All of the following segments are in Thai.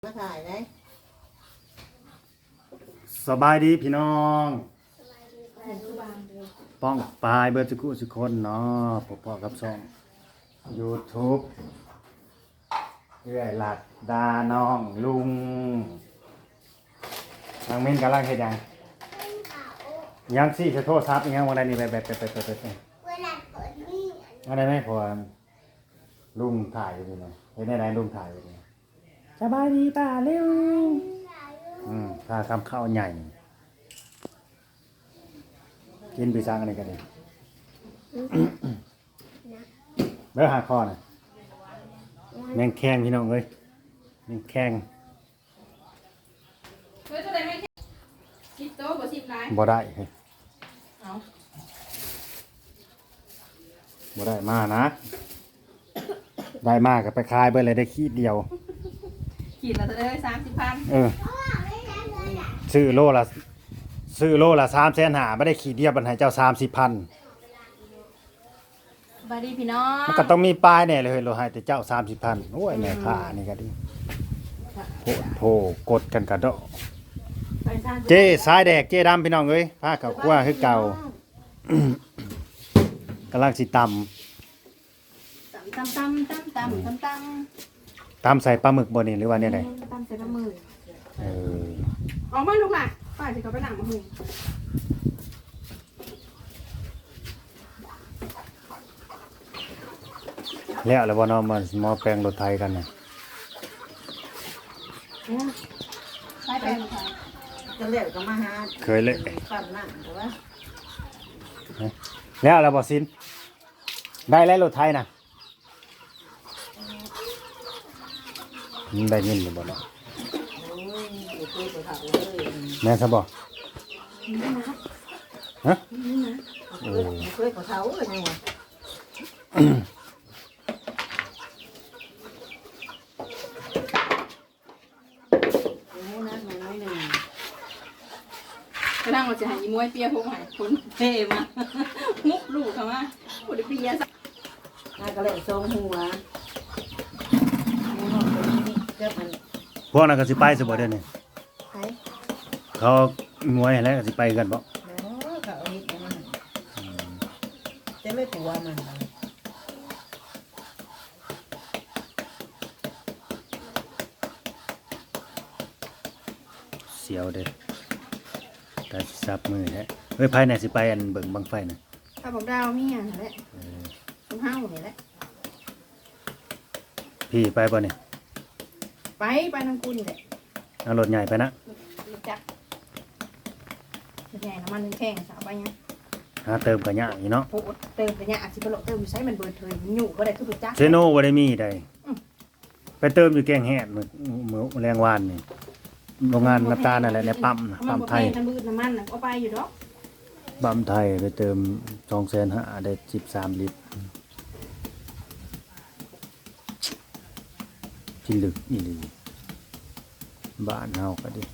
มาถ่ายได้สบายดีพี่น้องป้องปลายเบอร์จุกุสุคนเนาะพ่อกับช่อง YouTube เรื่อยหลัดดาน้องลุงนางมิ้นกำลังเฮ็ดยังสิจะโทษซับยังวันใดนี่ไปอะไรไหมพอลุงถ่ายอยู่นี่เห็นไหนลุงถ่ายอยู่นี่สบายดีป่าเร็วถ้าทำข้าวใหญ่กินไปสั่งอะไรกันเลยเบอร์หาคอน่ะแมงแข้งพี่น้องเอ้ยแมงแข้งบ่ได้เฮ้ยบ่ได้มานะได้มากก็ไปขายไปเลยได้ขีดเดียวขีดละจะได้30,000 ซื้อโลละ350,000ไม่ได้ขีดเดียวบันให้เจ้า30,000 บายดีพี่น้องมันก็ต้องมีป้ายแน่เลยเราให้แต่เจ้า30,000โอ้ยแม่ค้านี่ก็ดีโผกดกันกระโดดเจ๊สายแดกเจ๊ดำพี่น้องเอ้ยผ้าขาวคั่วคือเก่ากำลังสิตำใส่ปลาหมึกบนนี่หรือว่าเนี่ยไหนตำใส่ปลาหมึกออกมาลูกหล่ะป้าจะเขาไปหนังมาหุงแล้วบ่เนาะมาแปลงรถไทยกันน่ะใช้แปลงค่ะก็เรียกก็มาหาเคยเลยปั่นนั่งแต่ว่าแล้วบ่ซินได้แล้วรถไทยน่ะได้ยินหรือบ่เนาะแม่ซะบ่ฮะเคยกับเขาเลยไงวะกระทั่งเราจะหายมวยเปียพงหายคนเท่มามุกลูกเขามาคนเปียสักน่าก็เลยทรงหัวพวกนั้นก็สิไปสิบ่เด้อนี่เขามวยแล้วก็สิไปกันบ่เขาอีกมันจะไม่ผัวมันเสียวเด้อแต่ซับมือแท้เฮ้ยไผน่ะสิไปอันเบิ่งบังไฟน่ะถ้าบอกดาวมีอย่างแหละต้องห้าวนี่แหละพี่ไปบ่เนี่ยไปน้ำกูนี่แหละเอารถใหญ่ไปนะรถจักรรถใหญ่น้ำมันแข็งสาวไปยังเติมกันยากอีเนาะเติมกันยากอาจสิบ่เติมอยู่ใช้มันเบิดเถินมันอยู่บ่ได้คือรถจักรเซโนบ่ได้มีได้ไปเติมอยู่แกงแฮดมื้อแรงวานนี่โรงงานน้ำตาลนั่นแหละในปั๊มไทยน้ำมืดน้ำมันน่ะก็ไปอยู่ดอกปั๊มไทยไปเติม250,000ได้13ลิตรที่ลึกอีหลีบ้านเฮาก็ดิ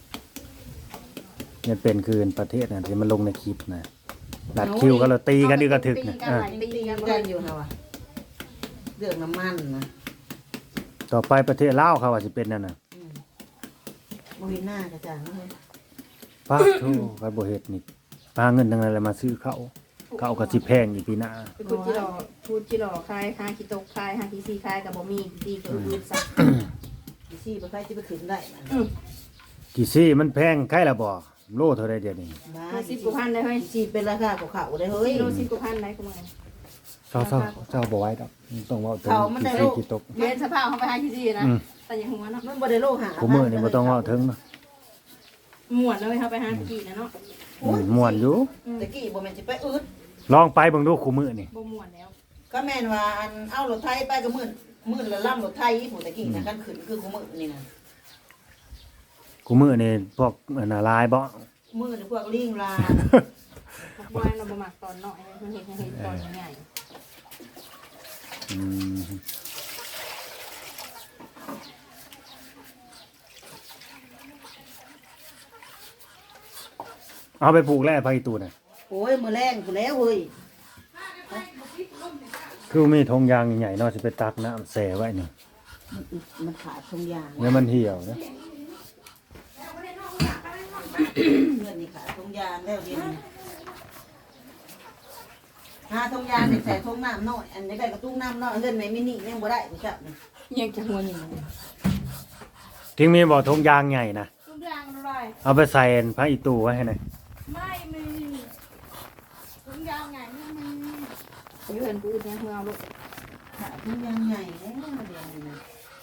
เนี่ยเป็นคืนประเทศน่ะที่มันลงในคลิปน่ะลัดคิวก็เราตีกันอีกกระถึกน่ะตีกันอยู่ฮะวะเรื่องน้ำมันนะต่อไปประเทศลาวเขาว่าสิเป็นนั่นน่ะบ่เห็นหน้ากระจ่างเลยป้าโธ่ก็บ่เฮ็ดนี่ปาเงินทั้งนั้นแหละมาซื้อเขาก็สิแพงอีกปีหน้าพูดจิหล่อคาย5กิโตคาย5กิซีคายก็บ่มีดีก็อืดซะกี่ซี่บ่ใครสิไปขึ้นได้กี่ซี่มันแพงใครล่ะบ่โลเท่าใดเดี๋ยวนี้ 10 กว่าพันได้เฮ้ยซี่เป็นราคาของเขาได้เฮ้ยโล10 กว่าพันได้กูมื้อเจ้าบ่ไหวดอกต้องเว้าถึงกี่ตกเรียนสภาพเฮาไป5กิซีนะแต่ยังหัวเนาะมันบ่ได้โลหะกูมื้อนี่บ่ต้องเว้าถึงเนาะม่วนเลยเฮาไป5กินะเนาะม่วนอยู่ตะกี้บ่แม่นสิไปอึดลองไปเบิ่งดูคู่มื้อนี่บ่ม่วนแล้วก็แม่นว่าอันเอารถไถไปก็มื้อละลำรถไถผู้ตะกี้น่ะกันขึ้นคือคู่มื้อนี่น่ะคู่มื้อนี่พวกน่ะลายบ่มื้อนี่พวกลิงลายบ่เราบ่มักตอนน้อยมันเฮ็ดตอนใหญ่เอาไปปลูกแล้วไผตูน่ะโอ้ยมื้อแรงพู้นแล้วเฮ้ยคือมีธงยางใหญ่ๆเนาะสิไปตักน้ำแช่ไว้นี่มันขาดทงยางเนี่ยมันเหี่ยวนะเพื่อนนี่ขาดทงยางแล้วเดี๋ยวนี้หาทงยางใส่ทงน้ำน้อยอันนี้ได้กระตุ้งน้ำน้อยเลื่อนในมินิยังบ่ได้กูจับนี่ยังจะหัวหนึ่งทิ้งมีบ่อทงยางใหญ่นะทุกอย่างอร่อยเอาไปใส่พระอีตูไว้ให้หน่อยไม่มีทุกอย่างไงไม่มีอยู่เห็นปืนเนี่ยเอาลูกขาดทงยางใหญ่แล้วเดี๋ยวนี้นะ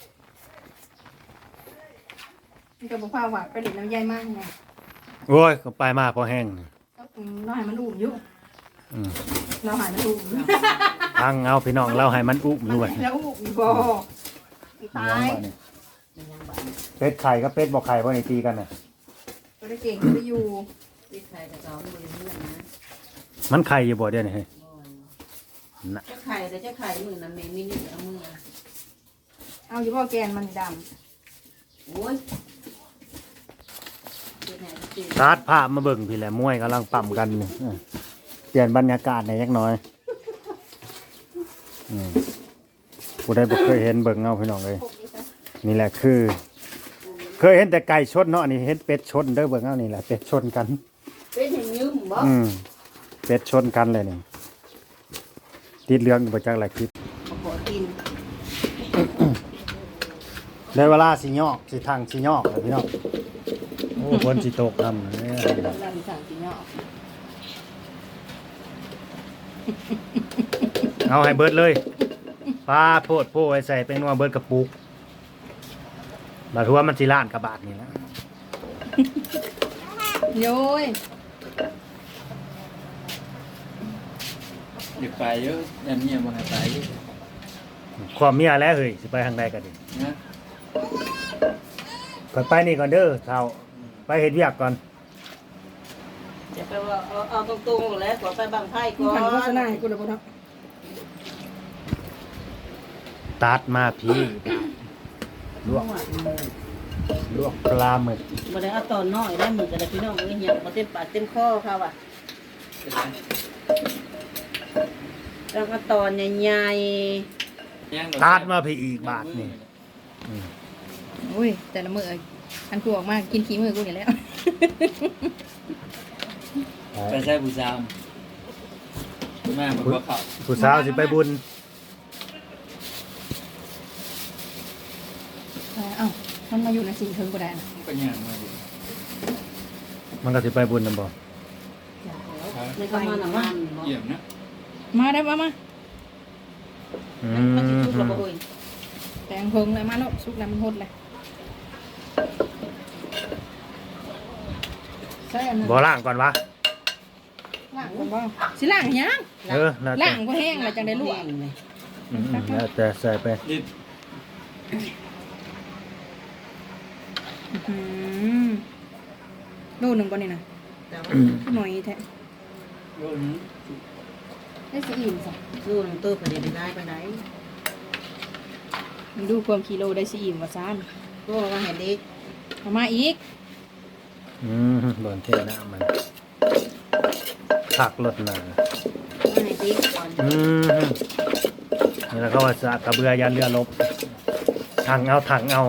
มันก็บอกว่าหวานไปเด็ดน้ำใยมากไงโอ้ยก็ไปมาพอแห้งเราให้มันอุ่มอยู่อืมเราหายมันอุ่มพังเอาพี่น้องเราให้มันอุ้มด้วยแล้วอุ่มบ่ตายมันยังบานเป็ดไข่ก็เป็ดบอกไข่เพราะในตีกันน่ะตัวได้เก่งไปอยู่ติดไข่แต่เจ้ามือเพื่อนนะมันไข่อยู่บ่เดี๋ยวนี้เฮ้ยน่ะเจ้าไข่แต่เจ้าไข่มือนั้นไม่มินิเอามือเอาอยู่บ่แกนมันดโอ้ยเป็นไงจริงตาดภาพมาเบิ่งพี่แหละมวยกำลังปั่มกันนี่เปลี่ยนบรรยากาศในอยจักหน่อยอืมผู้ใดบ่เคยเห็นเบิ่งเอาพี่น้องเลยำพวกนี้ซะนี่แหละคือ เคยเห็นแต่ไก่ชนเนาะอันนี่เห็นเป็ดชนเด้อเบิ่งเอานี่แหละเป็ดชนกันเป็นเห็นยืมบ่อืมเป็ดชนกันเลยนี่ติดเรื่องอยู่ประจักหลายคลิปขอกินได้เวลาสิยอกสิทางสิยอกเลยพี่น้องโอ้ฝนสิตกทำเนี่ยเรามีสั่งกินเนาะเอาให้เบิดเลยปลาโพดโพไว้ใส่เป็นว่าเบิดกระปุกบาดหัวมันสิล้านกระบาทนี่นะโย้ยอยากไปเยอะยันเนี่ยมันไปความเมียแล้วเฮ้ยสิไปทางใดกันดินะก่อนไปนี่ก่อนเด้อเท่าไปเฮ็ดเวียกก่อนจะไปว่าเอาตรงๆแล้วกว่าไปบางไพ่ก่อหันโฆษนณาให้กูเลยบ่เนาะตัดมาพี่ลวกลวกปลาหมึกบ่ได้เอาตอนน้อยได้มือกันเลยพี่น้องเอ้ยยังบ่เต็มปากเต็มคอค่ะว่ะแล้วก็ตอนใหญ่ตัดมาพี่อีกบาทนี่อุ้ยแต่ละมื้ออันกูออกมากินขี้มือกูนี่แหล้วไปใช้ผู้สาวแม่บอกว่าเขาผู้สาวสิไปบุญเอ้ามันมาอยู่ในสิ่งเทิงกูได้นะก็ย่างมาดิมันก็สิไปบุญนำบ่ๆในก็มาหนังมันเยี่ยมนะมาได้มาอืมันสิมทุกข์แล้วบ่เอ้ยแตงเพิงเลยมาแล้วสุกแล้วมันหดเลยใช่อันนั้นบ่ล้างก่อนวะล้างก่อนบ่สิล้างหยังแล้วแต่ล้างก็แห้งแล้วจังได้ลวกอืมแล้วแต่ใส่ไปดิบโลหนึ่งบ่นี่นะแต่ว่าหน่อยแท้โยนนี้ได้สิอิ่มซะสู้หนังตัวประเดี๋ยวได้ไปไหนมันดูความกิโลได้สิอิ่มว่าซ่านก็ว่าให้เด็กเอามาอีกอืมบ่อนเทน้ำมันผักรสหนาว่าให้เด็กก่อนอืมนี่แล้วก็ว่าสากกระเบือยันเรือลบถังเอา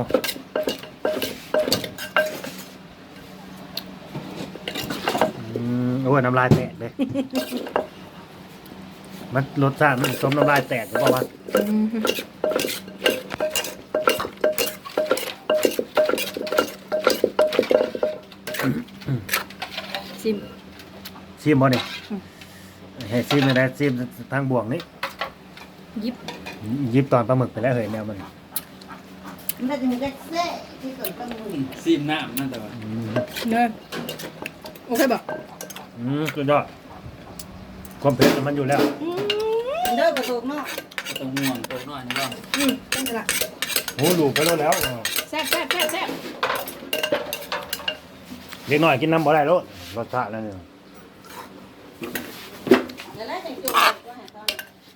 โอ้ยน้ำลายแตกเลย มันรสชาติมันสมน้ำลายแตกหรือเปล่าวะชิมชิมบ่เนี่ยให้ชิมเลยนะชิมทางบวกนี่ยิบยิบตอนปลาหมึกไปแล้วเฮ้ยแนวมันมันจะมีแค่แซ่ที่เกิดตั้งมือซีมน้ำนั่นแต่ว่าเด้อโอเคบ่สุดยอดความเผ็ดมันอยู่แล้วเด้อกระโดดเนาะต้องห่วงตัวน้อยนี่บ้างเป็นละโอ้ลูกไปแล้วแซ่บแซ่บแซ่บแซ่บเด็กหน่อยกินน้ำบ่ได้แล้วรสชาติแล้วเนี่ยเดี๋ยวแล้วจะจุกก็ให้ตอน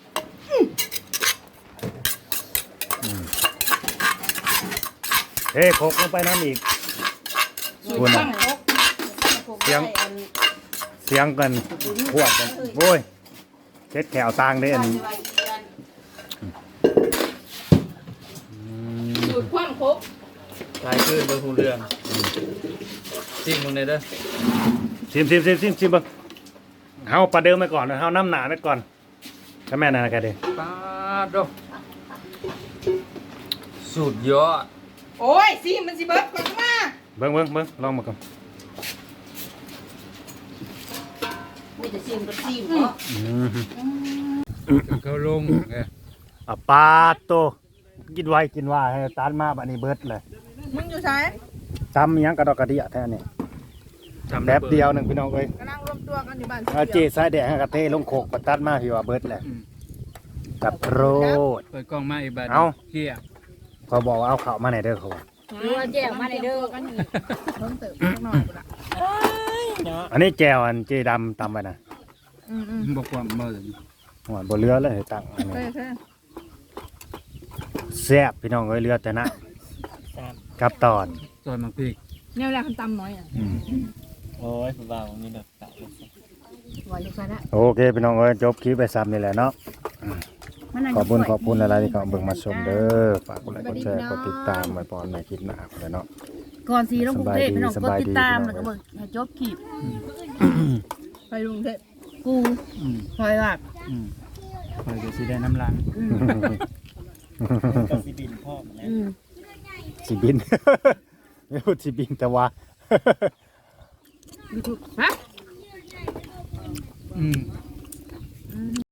เทโคกลงไปน้ำอีกสูตรตั้งครบเสียงกันพวดกันโอ้ยเช็ดแขวตางได้อันนี้พกตายขึ้นเบอร์หูเรืองซิ่งมึงเลยเด้อชิมเบิ่งเฮาประเดิมไปก่อนเฮาน้ำหนาไปก่อนก็แม่นั่นน่ะก็ดีป้าดดสุดยอดโอ้ยสิมันสิเบิดก่อนมาเบิ่งลองมาก่อนมีแต่ซิมกับซิมเนาะเขาลงไงอ่ะปาโตกินไวกินว่าให้ตานมาบัดนี้เบิดเลยมึงอยู่ไสซ้ำอิหยังกระดอกกระเดียแท้นี่แป๊บเดียวหนึงพี่น้องเอ้ยกำลังรวมตัวกันอยู่บ้านเอาเจสายแดงให้กระเทลงโขกปัดตัดมาพี่ว่าเบิดแหละกับโรดเปิดกล้องมาอีกบัดเอ้าเฮียเขาบอกว่าเอาข้าวมาไหนเด้อเขารู้ว่าแจ้งมาในเด้อกันอีกเพิ่มเติมสักหน่อยกูละอันนี้แจวอันเจดำตำไปนะบอกความเมื่อหัวบ่เรือเลยให้ตั้งอันนี้เฮ้ยแซ่บพี่น้องเอ้ยเรือแต่นะกับตอนซอยมังพริกเนี่ยเวลาคันตำน้อยอ่ะโอ้ยผู้บ่าวมีดอกเต่าว่าอยู่ไสละโอเคพี่น้องเอ้ยจบคลิปไปซ้ำนี่แหละเนาะขอบคุณอะไรที่เขาเบิ่งมาชมเด้อฝากกดไลค์กดแชร์กดติดตามไว้ปอนในคลิปหน้าพุ่นแหละเนาะก่อนสีลงกรุงเทพพี่น้องสกดบายดีติดตามสบายดีแล้วก็เบิ่งให้จบคลิปไปกรุงเทพกูคอยว่าคอยจะสิได้น้ำลังสิบิน ไม่พูดสิบินแต่ว่าฮะอืม